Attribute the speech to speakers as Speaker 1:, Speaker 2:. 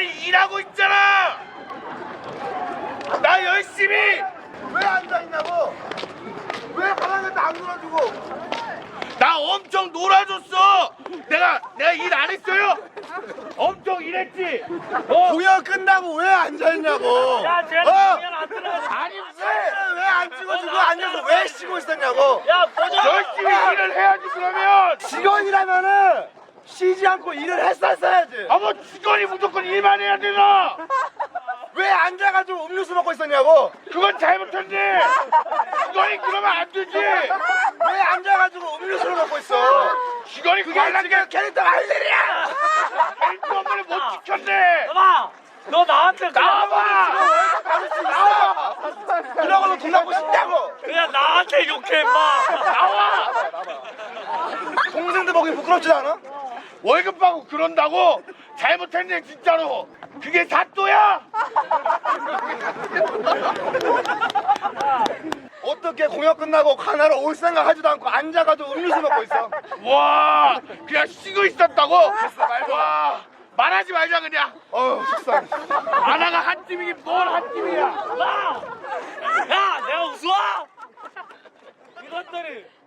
Speaker 1: 아니 일하고 있잖아. 나 열심히.
Speaker 2: 왜 앉아있냐고. 왜 가만히 안 놀아주고.
Speaker 1: 나 엄청 놀아줬어. 내가 일 안 했어요? 엄청 일했지.
Speaker 2: 공연 끝나고 왜 앉아있냐고.
Speaker 3: 야, 쟤는 공연 안 들어가지.
Speaker 1: 아니
Speaker 2: 왜 안 찍어주고 앉아서 왜 쉬고 있었냐고.
Speaker 3: 야, 보자.
Speaker 1: 열심히 일을 해야지 그러면.
Speaker 2: 직원이라면은 쉬지 않고 일을 했었어야지.
Speaker 1: 뭐 직원이 무조건 일만 해야 되나?
Speaker 2: 왜 앉아가지고 음료수 먹고 있었냐고.
Speaker 1: 그건 잘못했네. 직원이 그러면 안 되지.
Speaker 2: 왜 앉아가지고 음료수를 먹고 있어.
Speaker 1: 직원이
Speaker 2: 그게
Speaker 1: 관람
Speaker 2: 지금 캐릭터가 할 일이야.
Speaker 1: 일도 업무를 못 지켰네.
Speaker 3: 봐봐. 너 나한테
Speaker 1: 나와봐.
Speaker 2: 나와. 그러고도 돈 받고 싶다고.
Speaker 3: 그냥 나한테 욕해, 임마.
Speaker 1: 나와.
Speaker 2: 동생들 보기 부끄럽지 않아?
Speaker 1: 월급 받고 그런다고? 잘못했네 진짜로. 그게 사또야?
Speaker 2: 어떻게 공연 끝나고 가나로 올 생각 하지도 않고 앉아가지고 음료수 먹고 있어.
Speaker 1: 와 그냥 쉬고 있었다고? 와 말하지 말자 그냥.
Speaker 2: 속상해.
Speaker 1: 아나가 한 팀이긴 뭘 한 팀이야.
Speaker 3: 야, 내가 웃어? 이것들이.